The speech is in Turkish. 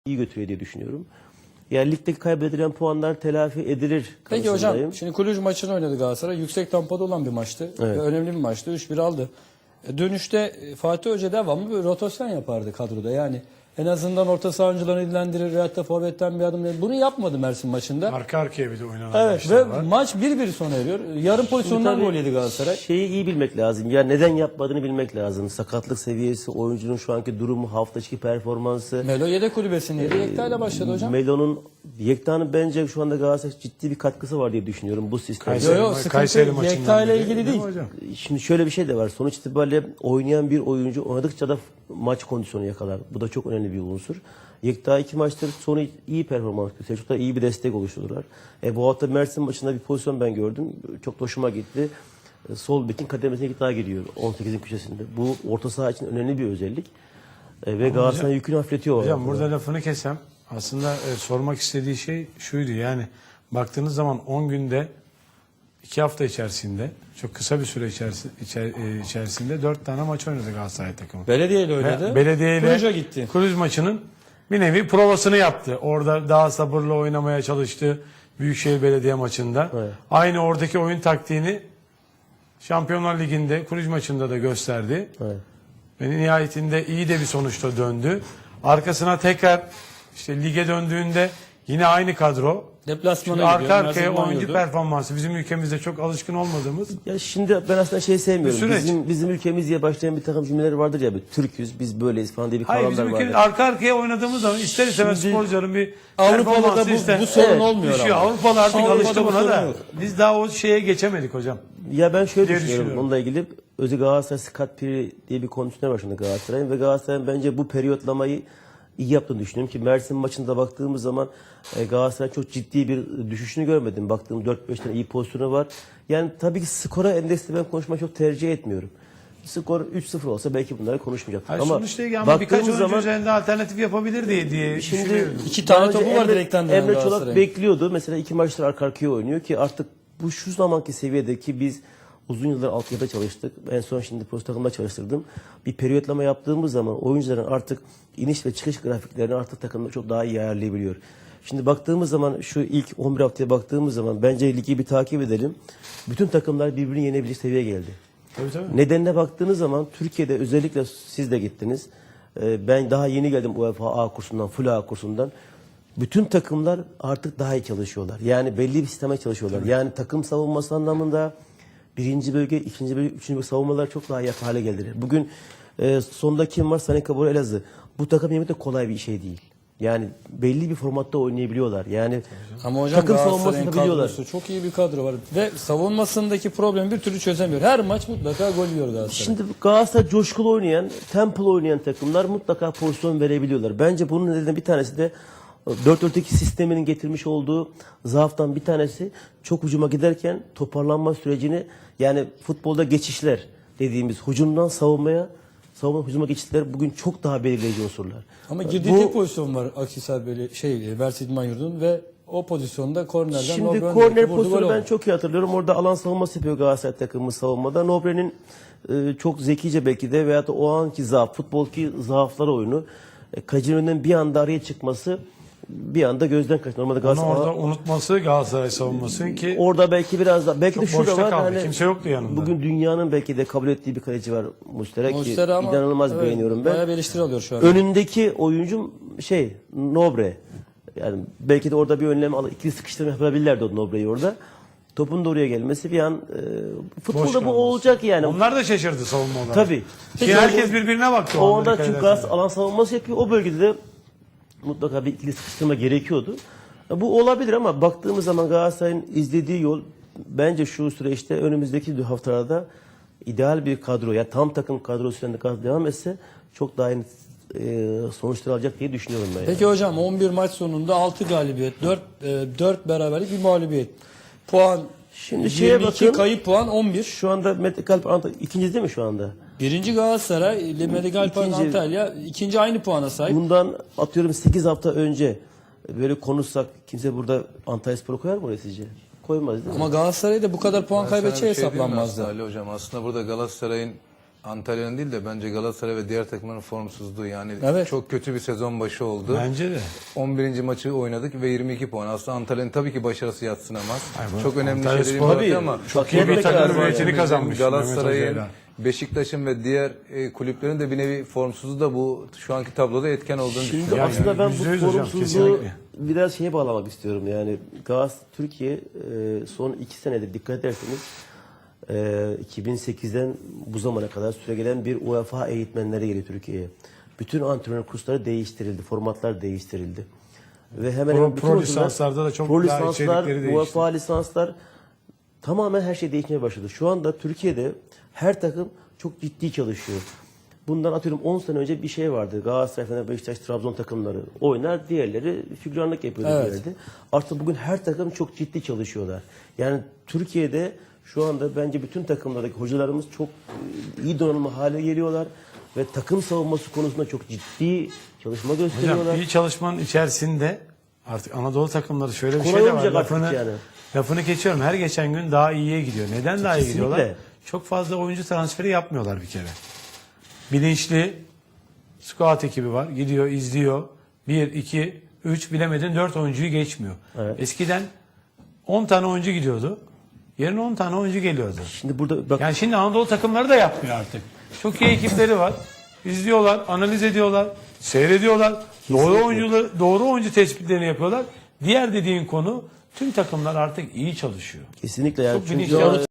iyi götürüyor diye düşünüyorum. Yani ligdeki kaybedilen puanlar telafi edilir. Peki hocam, şimdi Kulüc maçını oynadı Galatasaray. Yüksek tempoda olan bir maçtı. Evet. Ve önemli bir maçtı. 3-1 aldı. Dönüşte Fatih Hoca devamlı bir rotasyon yapardı kadroda. Yani en azından orta saha oyuncularını ilgilendirir. Hatta forvetten bir adım. Bunu yapmadı Mersin maçında. Arka arkaya bir de oynanan Evet maçlar ve var. maç 1-1 sona eriyor. Yarım pozisyondan Tabii gol yedi Galatasaray. Şeyi iyi bilmek lazım. Ya neden yapmadığını bilmek lazım. Sakatlık seviyesi, oyuncunun şu anki durumu, hafta içi performansı. Melo yedek kulübesindeydi. Yekta ile başladı hocam. Yekta'nın bence şu anda Galatasaray ciddi bir katkısı var diye düşünüyorum bu sistemde. Kayseri sıkıntı Yekta ile ilgili değil. Hocam? Şimdi şöyle bir şey de var. Sonuç itibariyle oynayan bir oyuncu oynadıkça da maç kondisyonu yakalar. Bu da çok önemli bir unsur. Yekta 2 maçtır sonu iyi performans gösteriyor. Çok da iyi bir destek oluşturdular. Bu hafta Mersin maçında bir pozisyon ben gördüm. Çok da hoşuma gitti. Sol bekin kademesine Yekta giriyor 18'in köşesinde. Bu orta saha için önemli bir özellik. Ve Galatasaray yükünü hafifletiyor. Hocam burada lafını kesem. Aslında sormak istediği şey şuydu, yani baktığınız zaman 10 günde 2 hafta içerisinde çok kısa bir süre içerisinde 4 tane maç oynadı Galatasaray takımı. Belediye ile oynadı. Belediye ile Kulüc'e gitti. Kulüc maçının bir nevi provasını yaptı. Orada daha sabırla oynamaya çalıştı Büyükşehir Belediye maçında. Evet. Aynı oradaki oyun taktiğini Şampiyonlar Ligi'nde Kulüc maçında da gösterdi. Evet. Ve nihayetinde iyi de bir sonuçta döndü. Arkasına tekrar işte lige döndüğünde yine aynı kadro. Deplasmana Arka gidiyor. arkaya Mersin oyuncu yurdu. performansı bizim ülkemizde çok alışkın olmadığımız. Ya şimdi ben aslında sevmiyorum. Bir süreç. Bizim ülkemiz diye başlayan bir takım cümleler vardır ya. Türk'üz, biz böyleyiz falan diye bir Hayır, kavramlar bizim vardır. ülkemiz arka arkaya oynadığımız zaman ister istemez Şimdi sporcuların bir Avrupa'da da performansı ister. bu sorun Evet, olmuyor Düşüyor. ama. Avrupalı artık Avrupa'da alıştı bu buna sorun da. yok. Biz daha o şeye geçemedik hocam. Ya ben şöyle diye düşünüyorum düşünüyorum. onunla ilgili. Özü Galatasaray Scott Piri diye bir kondisyoner var şimdi Galatasaray'ın ve Galatasaray'ın bence bu periyotlamayı iyi yaptığını düşünüyorum ki Mersin maçında baktığımız zaman Galatasaray çok ciddi bir düşüşünü görmedim. Baktığım 4-5 tane iyi pozisyonu var. Yani tabii ki skora endeksli ben konuşmayı çok tercih etmiyorum. Skor 3-0 olsa belki bunları konuşmayacaktık. Hayır, Ama sonuçta ama birkaç baktığımız oyuncu zaman üzerinde alternatif yapabilir diye şimdi düşünüyorum. 2 tane daha önce topu var direkten dönen Emre Çolak Galatasaray'ın. bekliyordu. Mesela 2 maçtır arka arkaya oynuyor ki artık bu şu zamanki seviyedeki biz uzun yıllar altyapıda çalıştık. En son şimdi post takımda çalıştırdım. Bir periyotlama yaptığımız zaman oyuncuların artık iniş ve çıkış grafiklerini artık takımda çok daha iyi ayarlayabiliyor. Şimdi baktığımız zaman şu ilk 11 haftaya baktığımız zaman bence ligi bir takip edelim. Bütün takımlar birbirini yenebilecek seviyeye geldi. Tabii. Nedenine baktığınız zaman Türkiye'de özellikle siz de gittiniz. Ben daha yeni geldim UEFA A kursundan, full A kursundan. Bütün takımlar artık daha iyi çalışıyorlar. Yani belli bir sisteme çalışıyorlar. Tabii. Yani takım savunması anlamında birinci bölge, ikinci bölge, üçüncü bölge savunmalar çok daha iyi hale geldiler. Bugün sonda kim var? Sané Kabul Elazığ. Bu takım yemek de kolay bir şey değil. Yani belli bir formatta oynayabiliyorlar. Yani Ama hocam takım Galatasaray'ın savunmasını biliyorlar. kadrosu çok iyi bir kadro var. Ve savunmasındaki problemi bir türlü çözemiyor. Her maç mutlaka gol yiyor Galatasaray. Şimdi Galatasaray coşkulu oynayan, tempolu oynayan takımlar mutlaka pozisyon verebiliyorlar. Bence bunun nedeni bir tanesi de 4-4-2 sisteminin getirmiş olduğu zaaftan bir tanesi çok hücuma giderken toparlanma sürecini, yani futbolda geçişler dediğimiz hücumdan savunmaya, savunma hücuma geçişler bugün çok daha belirleyici unsurlar. Ama girdiği tek pozisyon var Akhisar Mersin İdman Yurdu'nun ve o pozisyonda kornerden Şimdi Nobre'nin korner vurdu, pozisyonu gol ben oldu. çok iyi hatırlıyorum. Orada alan savunması yapıyor Galatasaray takımı savunmada. Nobre'nin çok zekice belki de veyahut da o anki zaaf, futboldaki zaaflar oyunu. Kalecinin önünden bir anda araya çıkması bir anda gözden kaçtı. Normalde Onu Galatasaray orada unutması Galatasaray savunmasının ki orada belki biraz da belki çok de şurada boşta var. kaldı. Hani Kimse yoktu yanında. bugün dünyanın belki de kabul ettiği bir kaleci var Muslera ki Muslera ama inanılmaz evet, beğeniyorum bayağı ben. bir eleştiri alıyor şu an. Önündeki oyuncum Nobre. Yani belki de orada bir önlem alıp ikili sıkıştırma yapabilirlerdi o Nobre'yi orada. Topun da oraya gelmesi bir an boş futbolda bu kalması. olacak yani. Onlar da şaşırdı savunma olarak. Tabii. Ki herkes birbirine baktı. o anda Orada dikkat çünkü ederseniz. Galatasaray alan savunması yapıyor. O bölgede de mutlaka bir ikili sıkıştırma gerekiyordu. Bu olabilir ama baktığımız zaman Galatasaray'ın izlediği yol bence şu süreçte önümüzdeki haftalarda ideal bir kadro, ya tam takım kadrosuyla devam etse çok daha iyi sonuçlar alacak diye düşünüyorum ben. Peki hocam 11 maç sonunda 6 galibiyet, 4 beraberlik, bir mağlubiyet. Puan Şimdi 22, şeye bakın. kayıp puan 11. Şu anda Metekalp ikinci değil mi şu anda? Birinci Galatasaray, Medigalpan İkinci. Antalya, ikinci aynı puana sahip. Bundan atıyorum 8 hafta önce böyle konuşsak kimse burada Antalyaspor'u koyar mı oraya sizce? Koymaz değil mi? Ama Galatasaray'da bu kadar puan Ben sana kaybedeceği bir şey diyeyim mi hesaplanmazdı. aslında Ali Hocam? Aslında burada Galatasaray'ın Antalya'nın değil de bence Galatasaray ve diğer takımların formsuzluğu. Yani Evet. çok kötü bir sezon başı oldu. Bence de. 11. maçı oynadık ve 22 puan. Aslında Antalya'nın tabii ki başarısı yadsınamaz. Ay, bu Çok önemli Antalya şeyleri Spor- imza ama Çok iyi bir Tabii, takım tabii. üretini kazanmış. Galatasaray'ın, Mehmet Hoca'yla. Beşiktaş'ın ve diğer kulüplerin de bir nevi formsuzluğu da bu şu anki tabloda etken olduğunu Şimdi düşünüyorum. Yani aslında ben bu %100 hocam, sorumsuzluğu kesinlikle. biraz şeye bağlamak istiyorum. Yani Türkiye son 2 senedir dikkat ederseniz 2008'den bu zamana kadar süregelen bir UEFA eğitmenleri geliyor Türkiye'ye. Bütün antrenör kursları değiştirildi, formatlar değiştirildi. Ve hemen hemen bütün pro hocalar- lisanslarda da çok pro daha lisanslar, içerikleri değişti. UEFA lisanslar tamamen her şey değişmeye başladı. Şu anda Türkiye'de her takım çok ciddi çalışıyor. Bundan atıyorum 10 sene önce bir şey vardı. Galatasaray, Fener, Beşiktaş, Trabzon takımları oynar, diğerleri figüranlık yapıyordu. Evet. Diğerleri. Artık bugün her takım çok ciddi çalışıyorlar. Yani Türkiye'de şu anda bence bütün takımlardaki hocalarımız çok iyi donanımlı hale geliyorlar ve takım savunması konusunda çok ciddi çalışma gösteriyorlar. Hocam iyi çalışmanın içerisinde artık Anadolu takımları şöyle bir Kolay şey de var. olmayacak artık Lafını, yani. lafını geçiyorum. Her geçen gün daha iyiye gidiyor. Neden daha iyi Kesinlikle. gidiyorlar? Çok fazla oyuncu transferi yapmıyorlar bir kere. Bilinçli scout ekibi var. Gidiyor, izliyor. 1, 2, 3 bilemedin 4 oyuncuyu geçmiyor. Evet. Eskiden 10 tane oyuncu gidiyordu. Yerine 10 tane oyuncu geliyordu. Şimdi burada bak Yani şimdi Anadolu takımları da yapmıyor artık. Çok iyi ekipleri var. İzliyorlar, analiz ediyorlar, seyrediyorlar. Doğru oyuncu tespitlerini yapıyorlar. Diğer dediğin konu tüm takımlar artık iyi çalışıyor. kesinlikle yani Çok çünkü bilinçli.